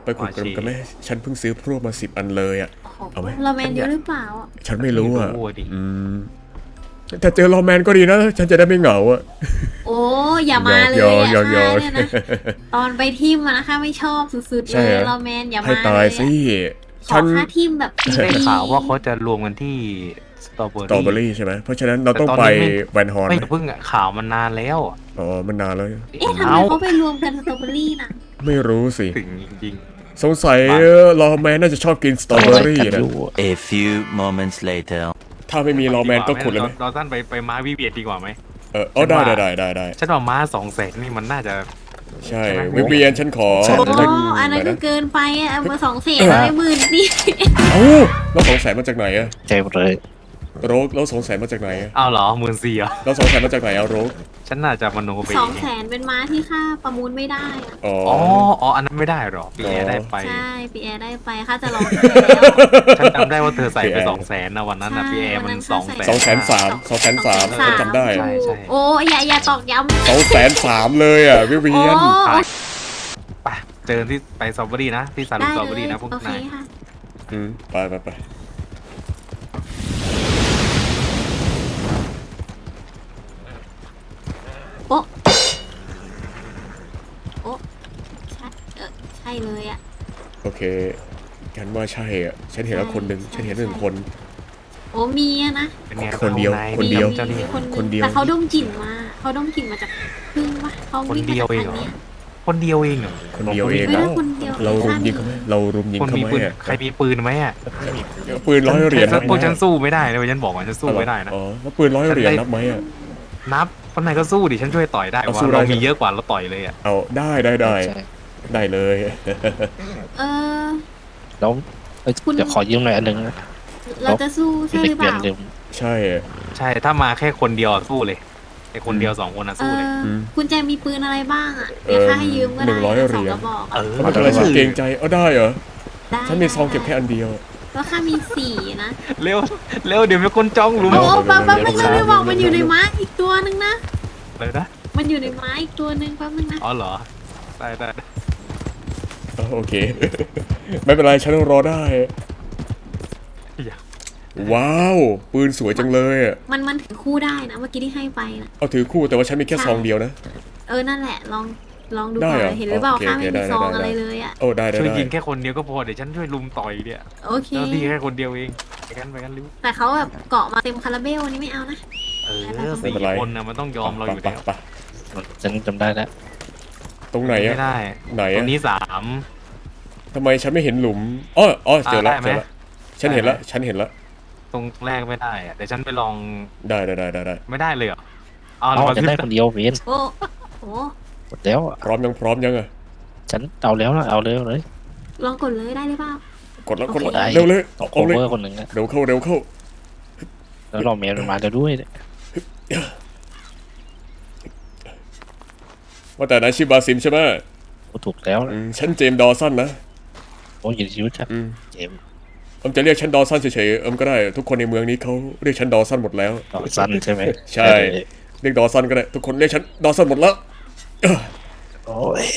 ไปขุดกันไหมฉันเพิ่งซื้อพรวกมา10 อันเลยอ่ะเอาไหมเราแมนเยอะหรือเปล่าอ่ะฉันไม่รู้อ่ะถ้าเจอรอแมนก็ดีนะฉันจะได้ไม่เหงาอ่ะโอ้อย่ามาเลยอ่ะเนี่ยนะตอนไปทิมนะคะไม่ชอบสุดๆเลยเราแมนอย่ามาให้ตายสิขอค่าทิมแบบได้ข่าวว่าเขาจะรวมกันที่สตรอเบอรี่ใช่ไหมเพราะฉะนั้นเราต้องไปแวนฮอร์นไม่เพิ่งข่าวมันนานแล้วอ๋อมันนานแล้วทำไมเขาไปรวมกันสตรอเบอรี่น่ะไม่รู้สิถึงจริงสงสัยรอแมนน่าจะชอบกินสตรอเบอรี่นะ A few moments later ถ้าไม่มีรอแมนก็ขุดเลยไหมเราสั้นไปม้าวิเวียดดีกว่าไหมได้ฉันว่าม้า200,000นี่มันน่าจะใช่วิเวียนฉันขอโอ้อันนั้นก็เกินไปอ่ะมา200,000อะไร10,000นี่เอ้าเรา200,000มาจากไหนอะเจ็บเลยโรกเรา200,000มาจากไหนเอาเหรอ14,000เหรอเรา200,000มาจากไหนเอาโรกฉันน่าจะมโนไป 200,000เป็นม้าที่ค่าประมูลไม่ได้อ่ะอ๋ออันนั้นไม่ได้หรอปีแอร์ได้ไปใช่ปีแอร์ได้ไปค่าจะลองฉันจำได้ว่าเธอใส่ไป200,000นะวันนั้นนะปีแอร์มัน 200,000 203,000จำได้โอ้อย่าตอกย้ำ 203,000เลยอ่ะวิเวียนไปเจอที่ไปสตรอเบอรี่นะที่ซาลูสตรอเบอรี่นะพวกนายไปโอ้ใช่เลยอ่ะโอเคกันว่าใช่อ่ะฉันเห็นแล้วคนหนึ่งฉันเห็น1 คนโอ้มีนะคนเดียวแต่เขาดมกลิ่นมาจากพึ่งปะเขาคนเดียวเองเหรอคนเดียวเองเรารุมยิงเขาไหมใครมีปืนไหมอ่ะปืน100 เหรียญพวกฉันสู้ไม่ได้เลยฉันบอกว่าฉันสู้ไม่ได้นะแล้วปืน100 เหรียญนับไหมอ่ะนับคนไหนก็สู้ดิฉันช่วยต่อยได้ว่าเรามีเยอะกว่าเราต่อยเลยอ่ะเอาได้เลยแล้วเดี๋ยวขอยืมหน่อยอันนึงเราจะสู้ใช่หรือเปล่าใช่ถ้ามาแค่คนเดียวสู้เลยไอ้คนเดียว2 คนสู้เลยคุณแจมีปืนอะไรบ้างอ่ะเดี๋ยวค่าให้ยืมก็ได้ 100 เหรียญมันอะไรฉันเกรงใจได้เหรอฉันมีซองเก็บแค่อันเดียวแล้วค่ามี4นะเร็วเดี๋ยวมีคนจ้องหลุมโอ้แป๊บไม่บอกมันอยู่ในไม้อีกตัวนึงนะเลยนะมันอยู่ในไม้อีกตัวนึงแป๊บนึงนะอ๋อเหรอได้โอเคไม่เป็นไรฉันรอได้ว้าวปืนสวยจังเลยอ่ะมันถือคู่ได้นะเมื่อกี้ที่ให้ไปนะเอาถือคู่แต่ว่าฉันมีแค่ซองเดียวนะนั่นแหละลองดูก่อนเห็นหรือเปล่าข้าไม่มีซองอะไรเลยอ่ะได้ช่วยยิงแค่คนเดียวก็พอเดี๋ยวฉันช่วยลุมต่อยเนี่ยโอเคแล้วดีแค่คนเดียวเองไปกันริ้วแต่เขาแบบเกาะมาเต็มคาราเบลนี่ไม่เอานะ 4 คนนะมันต้องยอมเราอยู่แล้วฉันจำได้แล้วตรงไหนอ่ะไม่ได้ไหนตรงนี้ 3ทำไมฉันไม่เห็นหลุมเจอแล้วฉันเห็นแล้วตรงแรกไม่ได้อะเดี๋ยวฉันไปลองได้ไม่ได้เลยเหรอเราจะได้คนเดียวเวียนโอ้หมดแล้วพร้อมยังอ่ะฉันเอาแล้วนะเอาเลยลองกดเลยได้หรือเปล่ากดแล้วเร็วเลยเอาเลยคนหนึ่งเร็วเข้าแล้วเราเมียมาจะด้วยว่าแต่นายชื่อบาซิมใช่ไหมถูกแล้วฉันเจมดอสันนะโอ้ยชีวิตเจมจะเรียกฉันดอสันเฉยๆก็ได้ทุกคนในเมืองนี้เขาเรียกฉันดอสันหมดแล้วดอสันใช่ไหมใช่เรียกดอสันก็ได้ทุกคนเรียกฉันดอสันหมดแล้วโอ้ย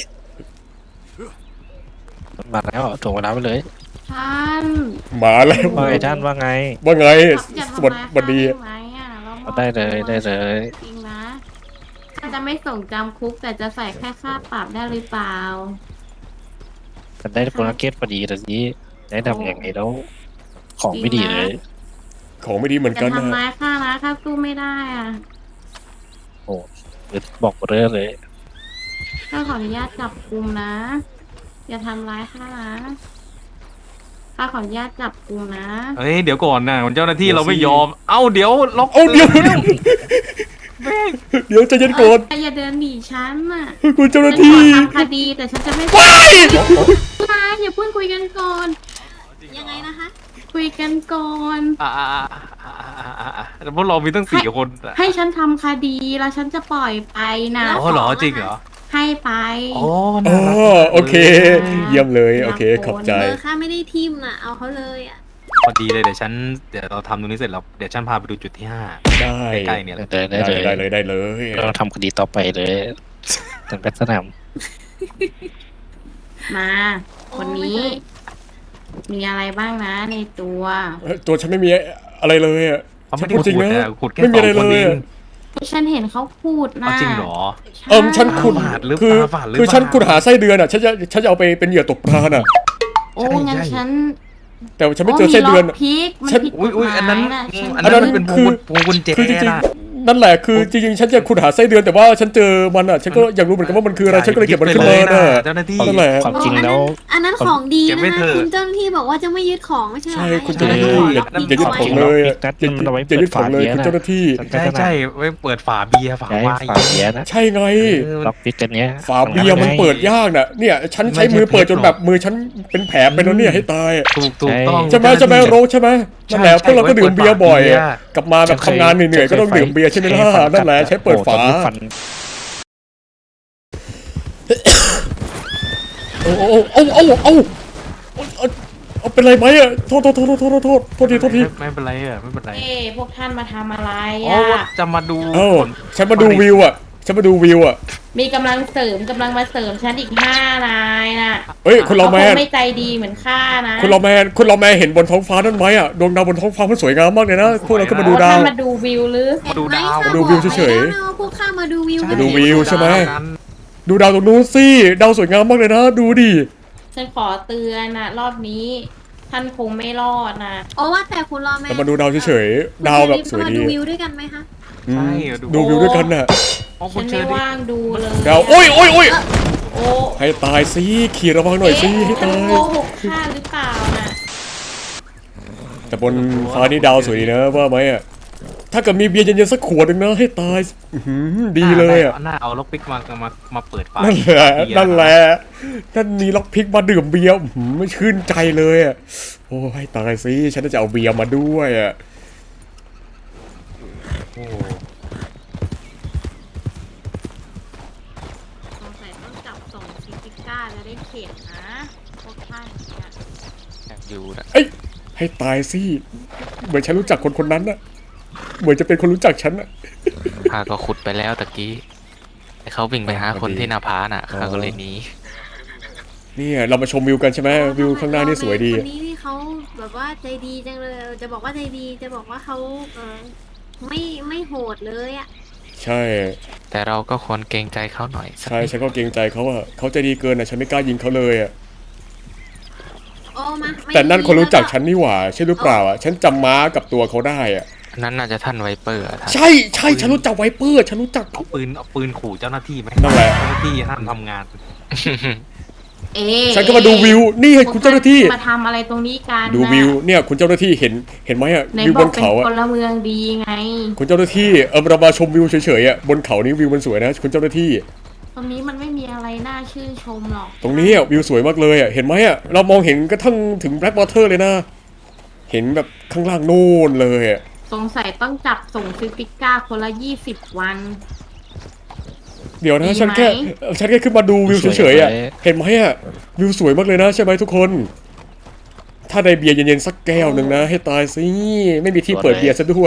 มาแล้วถ่วงเวลาไปเลยท่านมาแล้วว่าไงท่านว่าไงสวัสดีได้เลยจริงนะจะไม่ส่งจำคุกแต่จะใส่แค่ค่าปรับได้หรือเปล่าฉันได้โปรนักเก็ตพอดีแต่นี้ได้ทำอย่างไรแล้วของไม่ดีเลยของไม่ดีเหมือนกันนะทำร้ายข้านะข้าสู้ไม่ได้อ่ะโอ้บอกเรื่องเลยข้าขออนุญาตจับกุมนะอย่าทำร้ายข้านะข้าขออนุญาตจับกุมนะเดี๋ยวก่อนนะเจ้าหน้าที่เราไม่ยอมเดี๋ยวล็อกเดี๋ยวใจเย็นก่อนอย่าเดินหนีฉันน่ะคุณเจ้าหน้าที่ทำคดีแต่ฉันจะไม่อย่าเพิ่งคุยกันก่อนยังไงนะคะคุยกันก่อนพวกเรามีตั้ง4 คนให้ฉันทำคดีแล้วฉันจะปล่อยไปนะเหรอจริงเหรอให้ไปโอเคเยี่ยมเลยโอเคขอบใจข้าไม่ได้ทิมน่ะเอาเขาเลยอ่ะพอดีเลยเดี๋ยวเราทำตรงนี้เสร็จแล้วเดี๋ยวฉันพาไปดูจุดที่5 ได้ใกล้ๆเนี่ยได้เลยเราทำคดีต่อไปเลยเป็นแพทย์สนามมาคนนี้ มีอะไรบ้างนะในตัวตัวฉันไม่มีอะไรเลยอ่ะเขาฉัไม่นได้พูดจริงขุดนะนะขุดแค่ไม่มีอะไร 2 คนเลเอย งอะฉันเห็นเขาพูดนะเอาจริงเหรอใช่ฉันขุดตาฝาดหรือคือตาฝาดหรือคือฉันเปล่าขุดหาไส้เดือนอ่ะฉันจะเอาไปเป็นเหยื่อตกปลาน่ะโอ้งั้นใช่ฉันแต่ฉันไม่เจอไส้เดือนมีล็อกพีกมันฉันผิดกอุ้ฎยหอันนั้นมายนะฉันอันนั้นมันเป็นพวงกุญแจคือจริงนะๆนั่นแหละคือจริงๆฉันจะขุดหาไส้เดือนแต่ว่าฉันเจอมันอ่ะฉันก็อยากรู้เหมือนกันว่ามันคืออะไรฉันก็เลยเก็บมันขึ้นมาน่ะเจ้าหน้าที่นั่นแหละความจริงแล้วอันนั้นของดีเก็บนะไว้คะเถอะคุณเจ้าหน้าที่บอกว่าจะไม่ยึดของไม่ใช่เหรอใช่คะคุณเจ้าหน้าที่อย่าอย่ายึดของเลยอะอย่ายึดของเลยคุณเจ้าหน้าที่ใช่ไว้เปิดฝาเบียร์ฝาใช้ไวน์ฝาเบียร์นะใช่ไงล็อกปิดกันเนี้ยฝาเบียร์มันเปิดยากน่ะเนี่ยฉันใช้มือเปิดจนแบบมือฉันเป็นแผลไปแล้วเนี่ยให้ตายถูกต้องใช่ไหมโรสใช่ไหมนั่นแหละพวกเราก็ดื่มเบียร์บ่อยกลับมาแบบทำงานเหนื่อยๆก็ต้องดื่มเบียร์ใช่ไหมล่ะนั่นแหละใช้เปิดฝาฟันเอาเป็นไรไหมอ่ะโทษทีไม่เป็นไรอ่ะไม่เป็นไรเอ้พวกท่านมาทำอะไรโอ้อ่ะจะมาดูเอ้าผลฉันมาดูวิวอ่ะมีกำลังเสริมกำลังมาเสริมฉันอีก5 นายน่ะเฮ้ยคุณเราแมเขานคงไม่ใจดีเหมือนข้านะคุณเราแมนเห็นบนท้องฟ้านั่นไหมอ่ะดวงดาวบนท้องฟ้ามันสวยงามมากเลยนะพวกเราก็มาดูดาวท่านมาดูวิวหรือมาดูดาวมาดูวิวเฉยๆๆแล้วนะว่าพวกข้ามาดูวิวมาดูวิวใช่ไหมกันดูดาวตรงนู้นสิดาวสวยงามมากเลยนะดูดิฉันขอเตือนนะรอบนี้ ท่านคงไม่รอดนะโอ้ว่าแต่คุณรอแม่เรามาดูดาวเฉยๆดาวแบบสวยมาดีดูวิวด้วยกันไหมคะอืมใช่ดูวิวด้วยกันน่ะโอ้คุฉัณนเชไม่อรี่ว่างดูเลยดาวโอ้ยโอ้ให้ตายสิขี่ระวังหน่อยสิให้ท่านตายโกหกข้าหรือเปล่าน่ะแต่บนฟ้านี่ดาวสวยดีนะว่าไหมอ่ะถ้าเกิดมีเบียร์เย็นๆสักขวดหนึ่งนะให้ตายอื้อหือดีเลยอ่ะหน้าเอาล็อกปิกมาเปิดฝานั่นแหละนั่นมีล็อกพิกมาดื่มเบียร์ไม่ชื่นใจเลยอ่ะโอ้ให้ตายสิฉันจะเอาเบียร์มาด้วยอ่ะโอ้สงสัยต้องจับส่งซิติก้าจะได้เข็ดนะพวกท่านเนี่ยอยู่นะเอ้ยให้ตายสิเหมือนฉันรู้จักคนนั้นน่ะเหมือนจะเป็นคนรู้จักฉันน่ะข้าก็ขุดไปแล้วตะกี้แต่เขาวิ่งไปหาคนที่หน้าผาน่ะข้าก็เลยหนีเนี่ยเรามาชมวิวกันใช่ไหมวิวข้างหน้านี่สวยดีคนนี้นี่เขาแบบว่าใจดีจังเลยจะบอกว่าใจดีจะบอกว่าเขาไม่โหดเลยอ่ะใช่แต่เราก็ควรเกรงใจเขาหน่อยสักใช่นิดฉันก็เกรงใจเขาอะเขาใจดีเกินอะฉันไม่กล้ายิงเขาเลยอะโอ้มาไม่แต่นั่นคนรู้จักแล้วฉันนี่หว่าใช่หรือเปล่าอะฉันจำม้ากับตัวเขาได้อะอันนั้นน่าจะท่านไวเปอร์อะท่านใช่ฉันรู้จักไวเปอร์ฉันรู้จักเอาปืนขู่เจ้าหน้าที่ไหมนั่นแหละเจ้าหน้าที่ห้ามทำงานเอ๊ะฉันก็มาดูวิวนี่คุณเจ้าหน้าที่มาทำอะไรตรงนี้กันดูวิวเนี่ยคุณเจ้าหน้าที่เห็นไหมอะในวิวบบ อกนเป็นเขาอะพลเมืองดีไงคุณเจ้าหน้าที่เรามาชมวิวเฉยๆอะบนเขานี้วิวมันสวยนะคุณเจ้าหน้าที่ตรงนี้มันไม่มีอะไรน่าชื่นชมหรอกตรงนี้อะวิวสวยมากเลยอะเห็นไหมอะเรามองเห็นกระทั่งถึงแบล็กวอเตอร์เลยนะเห็นแบบข้างล่างโน่นเลยอะสงสัยต้องจับส่งซิติก้าคนละ20 วันเดี๋ยวนะดีไหมฉันแค่ขึ้นมาดูวิวเฉยๆอะเห็นไหมอะวิวสวยมากเลยนะใช่ไหมทุกคน ถ้าได้เบียร์เย็นๆสักแก้วหนึ่งนะให้ตายสิไม่มีที่เปิดเบียร์ซะด้วย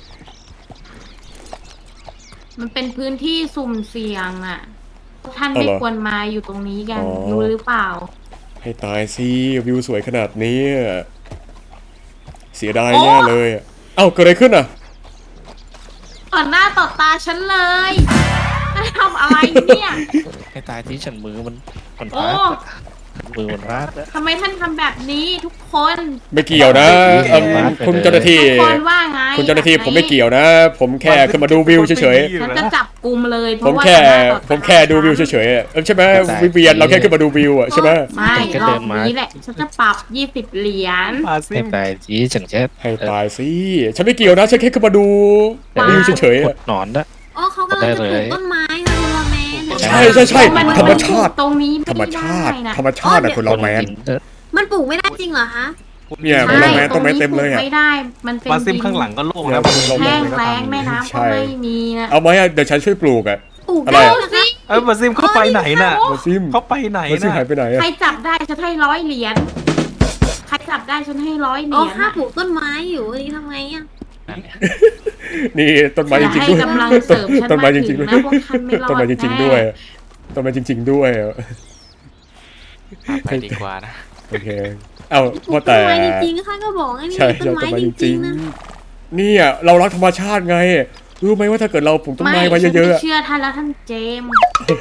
มันเป็นพื้นที่สุ่มเสี่ยงอ่ะ ท่านไม่ควรมาอยู่ตรงนี้กัน รู้หรือเปล่าให้ตายสิวิวสวยขนาดนี้อะเสียดายแน่เลยอะเอ้าเกิดอะไรขึ้นอ่ะต่อหน้าต่อตาฉันเลยท่านทำอะไรเนี่ยให้ตายที่ฉันมือมันโอ้พลาดมือมันพลาดอะทำไมท่านทำแบบนี้ทุกคนไม่เกี่ยวนะคุณเจ้าหน้าที่ทุกคนว่าไงคุณเจ้าหน้าที่ผมไม่เกี่ยวนะ ผมแค่ขึ้นมาดูวิวเฉยฉันจะจับกลุ่มเลยเพๆผมราะว่าแค่ต่อหน้าต่อตาผมแค่ดูวิวเฉยๆอะใช่ไหมวิเวียนเราแค่ขึ้นมาดูวิวอะใช่ไหมไม่รอบนี้แหละ ฉันจะปรับ20 เหรียญมาซิให้มตายที่ฉันแค่ให้ตายสิฉันไม่เกี่ยวนะฉันแค่ขึ้นมาดูวิวเฉยๆขุอะดหนอนนะโอ้เขากำลังจะปลูกต้นไม้ค่ะคุณรอแมนใช่ธรรมชาติตรงนี้ธรรมไม่ชาได้ตินะธรรมชาติอะคุณเราแมนมันปลูกไม่ได้จริงเหรอคะเนี่ยใช่คุณเราแมนต้นไม้เต็มเลยตรงอะนี้ปลูกไม่ได้ มันเป็นมาซิมดินข้างหลังก็โล่งแล้วแห้งแล้งแม่น้ำก็ไม่มีนะเอาไหมอะเดี๋ยวฉันช่วยปลูกอะปลูกอะไรได้อะนะคะมาซิมเข้าไปไหนน่ะมาซิมเขาไปไหนมาซิมน่ะหายไปไหนอะใครจับได้ฉันให้100 เหรียญ ใครจับได้ฉันให้100 เหโอ้รียญข้าอะปลูกต้นไม้อยู่นี่ทำไงอ่ะนั่นเนี่ยนี่ต้นไม้อจย่าริงให้ๆด้วยกำลังเสริมฉันต้นไม้มาจถึริงงๆด้วยนะพวกท่านไม่รอดต้นไม้จริงๆด้วยต้นไม้จริงๆด้วยไปดีกว่านะโอเค เอ้าปลูว่ากต้แต่นไม้จริงๆค่ะก็บอกไงนี่ใช่ต้นไม้จริงๆนะเนี่ยเรารักธรรมชาติไง รู้ไหมว่าถ้าเกิดเราปลูกต้นไม้ไว้เยอะฉันๆจะอะเชื่อท่านแล้วท่านเจมส์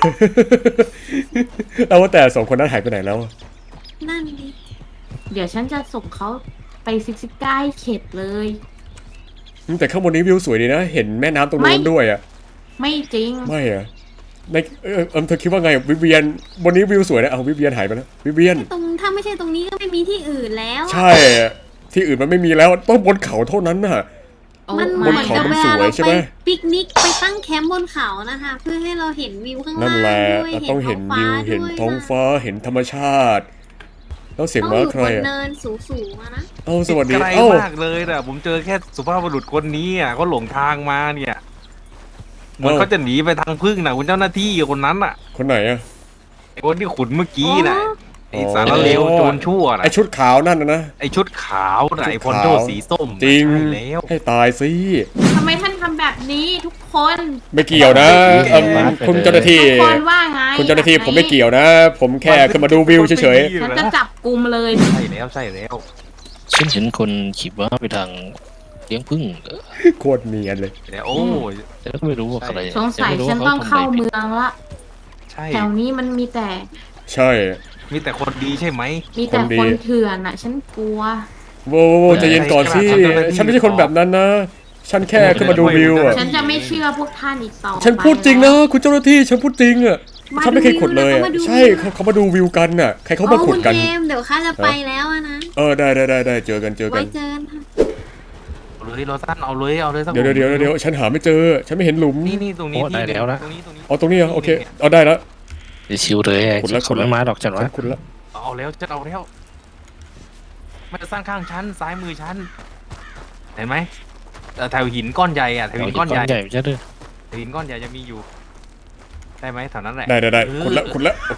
แล้วว่าแต่สองคนนั้นหายไปไหนแล้วนั่นดิเดี๋ยวฉันจะส่งเขาไปซิกซิก้าให้เข็ดเลยแต่ข้างบนนี้วิวสวยดีนะ เห็นแม่น้ำตรงนู้นไม่ด้วยอ่ะไม่จริงไม่อะในเธอคิดว่าไงวิเวียนบนนี้วิวสวยนะเอาวิเวียนหายไปแล้ววิเวียนตรงถ้าไม่ใช่ตรงนี้ก็ไม่มีที่อื่นแล้วอะใช่ ที่อื่นมันไม่มีแล้วต้องบนเขาเท่านั้นน่ะมันเหบมืนอนเขากับมันเวสลาวยเราใช่ไปไหมปิกนิกไปตั้งแคมป์บนเขานะคะ เพื่อให้เราเห็นวิวข้างล่างนั่นแหละด้วยเราต้องเห็นท้วิวฟ้าเห็นด้วยท้องนะฟ้าเห็นธรรมชาติ แล้วเสียงต้องม้าอยู่ใครบนอะเนินสูงๆอะนะเอ้าสวัสดีไกลเอ้ามากเลยนะผมเจอแค่สุภาพบุรุษคนนี้อ่ะเขาหลงทางมาเนี่ยเหมือนเขาจะหนีไปทางพึ่งนะคุณเจ้าหน้าที่คนนั้นอ่ะคนไหนอะไอ้คนที่ขุดเมื่อกี้น่ะอ๋อไอ้สารเลวโจรชั่วน่ะไอชุดขาวนั่นนะไอ้ชุดขาวน่ะไอ้พอนโดสีส้มน่ะจริงใช่แล้วให้ตายสิทำไมท่านทำแบบนี้ทุกคนไม่เกี่ยวนะคุณเจ้าหน้าที่ทุกคนว่าไงคุณเจ้าหน้าที่ผมไม่เกี่ยวนะ ผมแค่ขึ้นมาดูวิวเฉยฉันจะจับกลุ่มเลยใช่แล้วใช่แล้วฉันเห็นคนขี่ม้าไปทางเลี้ยงผึ้งๆโคตรเนียนเลยแล้วโอ้ยแต่ก็ไม่รู้ว่าอะไรสงสัยไม่รู้ฉันว่าต้องเข้าทำะไรผิดเมืองละใช่แถวนี้มันมีแต่ใช่มีแต่คนดีใช่ไหมมีแต่คนดีคนเถื่อนอ่ะ ฉันกลัวโว้วใจเย็นก่อนสิฉันไม่ใช่คนแบบนั้นนะ ฉันแค่ขึ้นมาดูวิวอะฉันจะไม่เชื่อพวกท่านอีกต่อไปฉันพูดจริงนะแล้วคุณเจ้าหน้าที่ฉันพูดจริงอะมาฉันไม่เคยขุดเลยดูอะวิวนะใช่เขามาดูวิวกันน่ะใครเขามาขุดกันคุณเจมส์เดี๋ยวข้าจะไปแล้วอะนะได้เจอกันไว้เจอกันค่ะเอาเลยโรซันเอาเลยสักเดี๋ยวฉันหาไม่เจอ ฉันไม่เห็นหลุมนี่ตรงนี้โอ้ได้แล้วนะตรงนี้เอาตรงนี้เหรอโอเคเอาได้แล้วเดี๋ยวชิวเลยไอ้ขุดแล้วขุดไม่มาดอกจันฉัวะนขุดแล้วเอาแล้วจะเอาแล้วมันจะสร้างข้างชั้นซ้ายมือชั้นเห็นไหมแถวหินก้อนใหญ่อะแถวหินก้อนใหญ่ใหญ่ใช่ด้วยแถวหินก้อนใหญ่จะมีอยู่ได้ไหมแถวนั้นแหละได้ขุดแล้วโอเค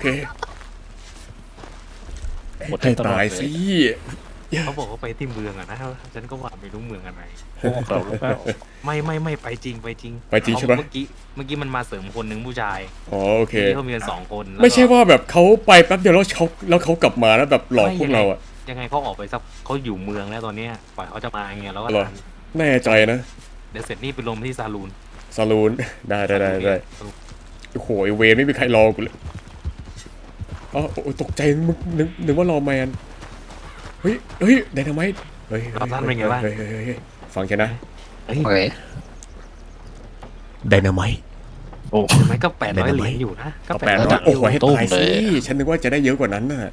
หมดให้ตลอดตายเลสิเขาบอกว่าไปที่เมืองอะนะฉันก็ว่าไม่รู้เมืองอะไรพวกเราหรือเปล่าไม่ไปจริงไปจริงใช่ปะเมื่อกี้มันมาเสริมคนหนึ่งผู้ชายอ๋อโอเคที่เขามีกันสองคนแล้วก็ไม่ใช่ว่าแบบเขาไปแป๊บเดียวแล้วเขากลับมาแล้วแบบหลอกพวกเราอะยังไงเขาออกไปสักเขาอยู่เมืองแล้วตอนเนี้ยปล่อยเขาจะมาอย่างเงี้ยแล้วก็เหรอ แน่ใจนะเดี๋ยวเสร็จนี่ไปลงที่ซาลูนซาลูน ได้โอ้โหไอ้เวรไม่มีใครรอกูเลยอ๋อโอ้ยตกใจนึกว่ารอแมนเฮ้ยไดนาไมต์เฮ้ยฟังฉันนะเฮ้ยโอเคไดนาไมต์โอ้มันก็800 เหรียญอยู่นะก็เอา 800 800โอ้โหให้ตุ้มตายเลสิยฉันนึกว่าจะได้เยอะกว่านั้นน่ะ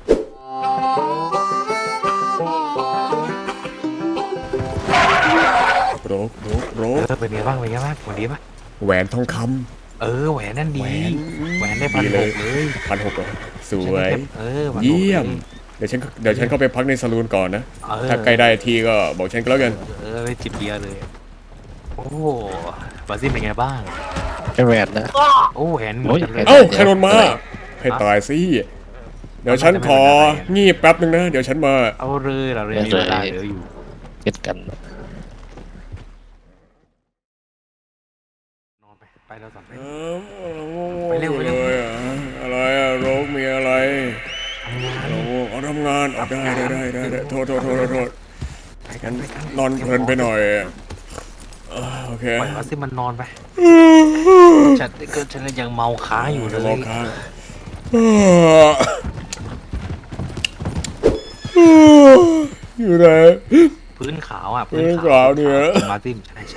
โรกเป็นไงบ้างวันดีปะแหวนทองคแหวนนั่นำดี แหวนได้ดีเลย 1,600เลย 1,600สวย 1,600 เยี่ยม เดี๋ยวฉันเข้าไปพักในซาลูนก่อนนะ ถ้าใกล้ได้ทีก็บอกฉันก็แล้วกันไปจิบเบียร์เลย โอ้บาซิลเป็นไงบ้างไอแหวนนะโอ้แหวนเหมือนกันเลยเอ้าใครโดนมา ให้ตายสิ เดี๋ยวฉันงีบแป๊บนึงนะ เดี๋ยวฉันมาเอาเลยเราเลยมีเวลาเหลืออยู่เก็ดกันนอนไปแล้วสอนไปไปเร็วอะไรอะโรคมีอะไรเอาทำงานได้โทษงั้นนอนเพลินไปหน่อยโอเคปล่อยบาซิลมันนอนไปฉันยังเมาค้างอยู่เลยรอค้างอยู่ไหนพื้นขาวอ่ะพื้นขาวเนี่ยบาซิลใช่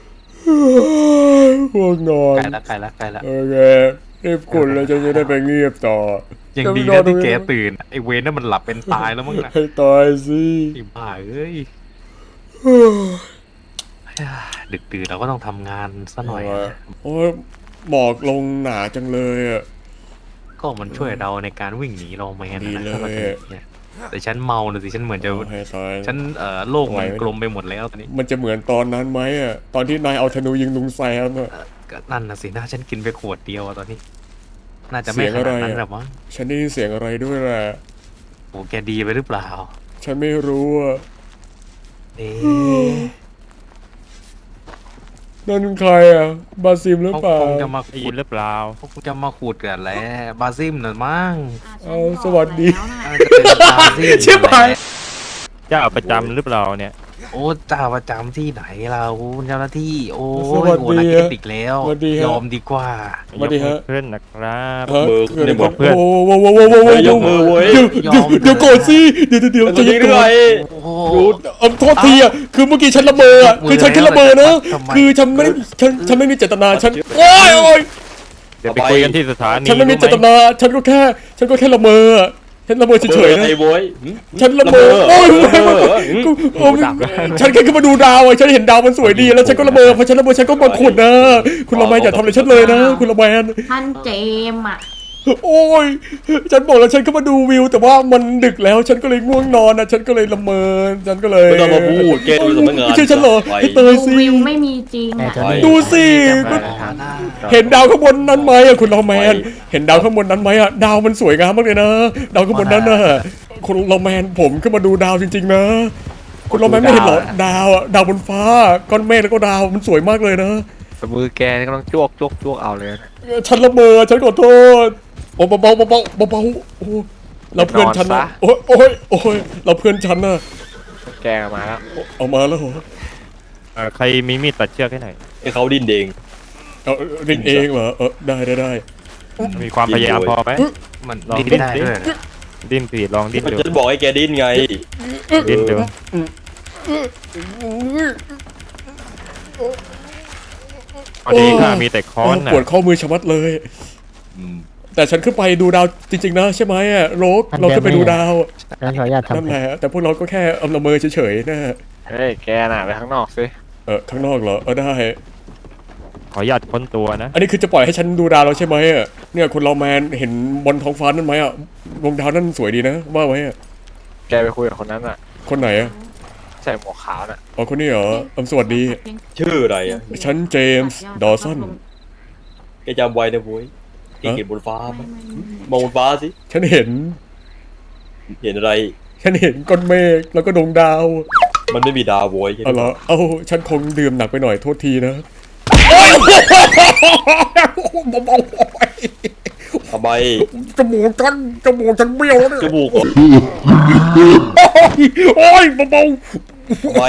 พวกนอนใกล้แล้วโอเครีบขุดแล้วจะได้ไปเงียบต่อยังดีนะที่แกตื่นไอเวนนั่นมันหลับเป็นตายแล้วมั้งนะให้ตายสิไอ้บ้าเอ้ยดึกดื่นเราก็ต้องทำงานซะหน่อยนะโอ้ยหมอกลงหนาจังเลยอ่ะก็มันช่วยเราในการวิ่งหนีเราแมนดีนะเลยถ้าเราจะหนีเนี่ยแต่ฉันเมาเลยสิฉันเหมือนจะให้ตายฉันโลกมันกลมไปหมดแล้วตอนนี้มันจะเหมือนตอนนั้นไหมอ่ะตอนที่นายเอาธนูยิงลุงแซมอ่ะก็นั่นนะสินะฉันกินไปขวดเดียวอะตอนนี้ น่าจะไม่ขนาดนั้นหรอกมั้งฉันได้ยินเสียงอะไรด้วยแหละโอ้แกดีไปหรือเปล่าฉันไม่รู้อ่ะเอ๊ะนั่นใครอ่ะบาซิมหรือเขาเปล่าคงจะมาได้ขุยิดนหรือเปล่าเขาคงจะมาขุดกันแหละบาซิมน่ะมั้งอ่ะฉันสวัสดีบอกแล้วน่ะน่าจะเป็นบาซิมชิบหายเจ้าประจำหรือเปล่าเนี่ยโอ้เจ้าประจำที่ไหนเราเจ้าหน้าที่ โอ้สยวัสดีหัวนักเก็ตอีกแล้วสวัสดีฮะยอมดีกว่าสวัสดีฮะยกมือเพื่อนนะครับฮะมือเกิดอะไรในบขึ้ทนโอ้โหโว้โว้โว้โว้ยกมือเว้ยเดี๋ยวก่อนสิเดี๋ยวใจจริเย็งนด้ก่วอนยโอ้โหโทษทีอ่ะคือเมื่อกี้ฉันละเมออ่ะคือฉันแค่ละเมอนะทำไมคือฉันไม่ได้ฉันไม่มีเจตนาฉันโอ้ยเดี๋ยวไปคุยกันที่สถานีฉันไม่มีเจตนาฉันก็แค่ละเมออ่ะฉันละเมอเฉยๆนะไอ้บอยฉันละเมอโอ้ยละเมอกูโอ้ยฉันแค่ขึ้นมาดูดาวอ่ะฉันเห็นดาวมันสวยดีแล้วฉันก็ละเมอพอฉันละเมอฉันก็มาขุดนะคุณละแมนอย่าทำอะไรฉันเลยนะคุณละแมนท่านเจมส์อ่ะโอ้ยฉันบอกแล้วฉันก็มาดูวิว แต่ว่ามันดึกแล้วฉันก็เลยง่วงนอนนะฉันก็เลยละเมอฉันก็เลยไม่ต้องมาพูดแกดูสำนักงานไม่ใช่ฉันเหรอไปไอ้เตยสิวิวไม่มีจริงอ่ะดูสิก็เห็นดาวข้างบนนั้นไหมอะคุณลอแมน เห็นดาวข้างบนนั้นไหมอะดาวมันสวยงามมากเลยนะดาวข้างบนนั้นน่ะคุณลอแมนผมขึ้นมาดูดาวจริงๆนะคุณลอแมนไม่เห็นเหรอดาวอะดาวบนฟ้าก้อนเมฆแล้วก็ดาวมันสวยมากเลยนะมือแกนี่ก็ต้องจ้วกเอาเลยฉันละเมอฉันขอโทษโอ้เบาโอ้เราเพื่อนฉันนะโอ้ยเราเพื่อนฉันนะแกมาแล้วเอามาแล้วเหรอใครมีมีดตัดเชือกให้หน่อยให้เขาดิ้นเองเอาดิ้นเองเหรอได้มีความพยายามพอไหมมันลองดิ้นได้ด้วยเหรอดิ้นสิลองดิ้นดูฉันบอกให้แกดิ้นไงดิ้นดูพอดีข้ามีแต่ค้อนน่ะปวดข้อมือชะมัดเลย แต่ฉันขึ้นไปดูดาวจริงๆนะใช่ไหมอะโรกเราขึ้นไปดูดาวงั้นขออนุญาตนั่นทำแหละแต่พวกเราก็แค่ละเมอเฉยๆนะเฮ้ยแกน่ะไปข้างนอกสิข้างนอกเหรอได้ขออนุญาตค้นตัวนะอันนี้คือจะปล่อยให้ฉันดูดาวเราใช่ไหมอะเนี่ยคุณเราแมนเห็นบนท้องฟ้านั่นไหมอะดวงดาวนั่นสวยดีนะว่าไหมอะแกไปคุยกับคนนั้นน่ะคนไหนอะใส่หมวกขาวน่ะอ๋อคนนี้เหรอสวัสดีชื่ออะไรอ่ะฉันเจมส์ดอสันแกจำไว้นะบอยแกเห็นบนฟ้าไหมไม่มองบนฟ้าสิฉันเห็นเห็นอะไรฉันเห็นก้อนเมฆแล้วก็ดวงดาวมันไม่มีดาวบอยเอาเหรอเอาฉันคงดื่มหนักไปหน่อยโทษทีนะเบาทำไมๆจมูกฉันเบี้ยวแล้วเนี่ยจมูกเหรอโอ้ยเบาทำไม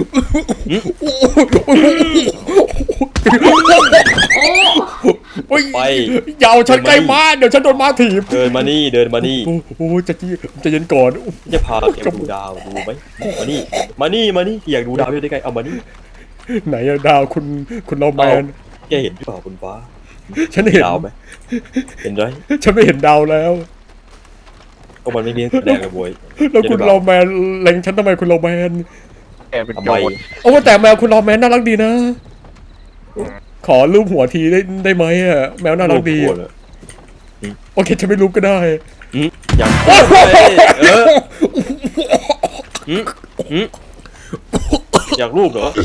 ๆโอ้ยไปอย่าเอาฉันใกล้ม้าเดี๋ยวฉันโดนม้าถีบเดินมานี่เดินมานี่โอ้จะเย็นก่อนจะพาแกดูดาวดูไหมมานี่อยากดูดาวอยู่ได้ไงเอามานี่ไหนอะดาวคุณเราแมนแกเห็นหรือเปล่าบนฟ้าฉันเห็นดาวไหมเห็นไหมฉันไม่เห็นดาวแล้วก็มันไม่มีแดงเลยบอยแล้วคุณเราแมนเล็งฉันทำไมคุณเราแมนแกเป็นทำโจไมรโอ้แต่แมวคุณเราแมนน่ารักดีนะ ขอรูปหัวทีได้ไหมอะแมวน่ารักดีโอ้อะโหเลยโอเคฉันไม่รูปก็ได้อยากอยากรูปเหรอ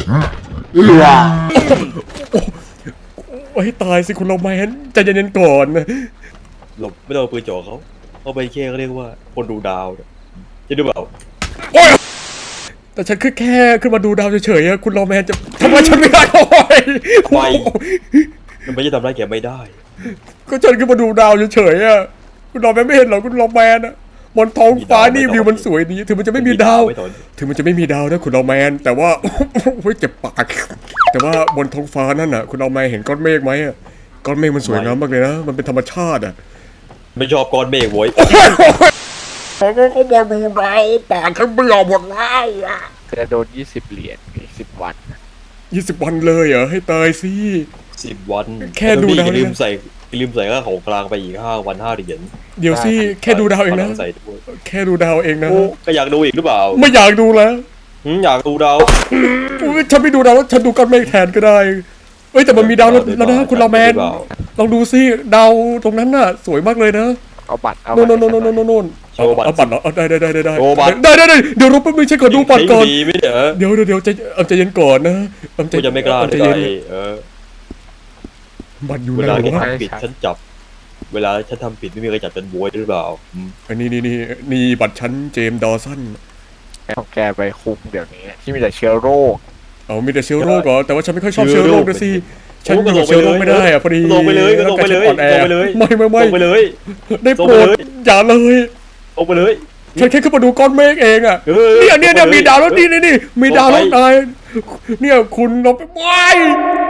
โอ้ยตายสิคุณเราแมนใจเย็นๆก่อนนะหลบไม่ต้องเอาปืนจ่อเขาไปแค่เขาเรียกว่าคนดูดาวเนี่ยจะดูเปล่าแต่ฉันแค่ขึ้นมาดูดาวเฉยๆอะคุณเราแมนจะทำไมฉันไม่ได้โอ้ยไม่มันไม่จะทำร้ายแกไม่ได้ก็ฉันขึ้นมาดูดาวเฉยๆอะคุณเราแมนไม่เห็นเหรอคุณเราแมนอะบนท้องฟ้านี่วิวมันสวยดีถึงมันจะไม่มีดาวไม่ถอนถึงมันจะไม่มีดาวนะคุณเราแมน แต่ว่า เฮ้ยเจ็บปากแต่ว่าบนท้องฟ้านั่นน่ะ คุณเราแมนเห็นก้อนเมฆไหมอะก้อนเมฆมันสวยงามมากเลยนะมันเป็นธรรมชาติอะไม่ชอบก้อนเมฆโว้ยเขาก็มาดูดาวปากฉันเบี้ยวหมดแล้วอะจะโดน20 เหรียญอีก10 วัน 20 วันเลยเหรอให้ตายสิ 10 วันแค่ดูดาวอย่าลืมใส่ค่าของกลางไปอีก5 วัน5 เหรียญเดี๋ยวสิแค่ดูดาวเองนะใส่ด้วยแค่ดูดาวเองนะโอ้ก็อยากดูอีกหรือเปล่าไม่อยากดูแล้วอยากดูดาวอุ๊ยฉันไม่ดูดาวแล้วฉันดูก้อนเมฆแทนก็ได้เอ้ยแต่มันมีดาวแล้วนะคุณเราแมนลองดูสิดาวตรงนั้นน่ะสวยมากเลยนะเอาบัตรเอาโน่นบัตรโน่นเอาบัตรเหรอได้ได้เดี๋ยวรบแป๊บนึงฉันขอดูบัตรก่อนดีไม่เถอะเดี๋ยวใจเย็นก่อนนะใจกูจะไม่กล้าใจได้เย็นเออบัตรอยู่เวไหนลาแกวะทำผิดฉันจับ เวลาฉันทำผิดไม่มีใครจับฉันบวยหรือเปล่าอันนี่บัตรฉันเจมส์ดอสันของแกไปคุมเดี๋ยวนี้ที่มีแต่เชื้อโรคเอามีแต่เชื้อโรคเหรอแต่ว่าฉันไม่ค่อยชอบเชื้อโรคนะสิฉันอยู่กับเชื้อโรคไม่ได้อะพอดีลงไปเลยก็ลงไปเลยร่างกายฉันอ่อนแอลงไปเลยไม่ลงไปเลยได้โปรลงดไปเลยอย่าเลยลงไปเลยฉันแค่ขึ้นมาดูก้อนเมฆเองอะเออเนี่ยลงไปเลยมีดาวแล้วนี่มีดาวแล้วลงไปนายเนี่ยคุณลงไปว้าย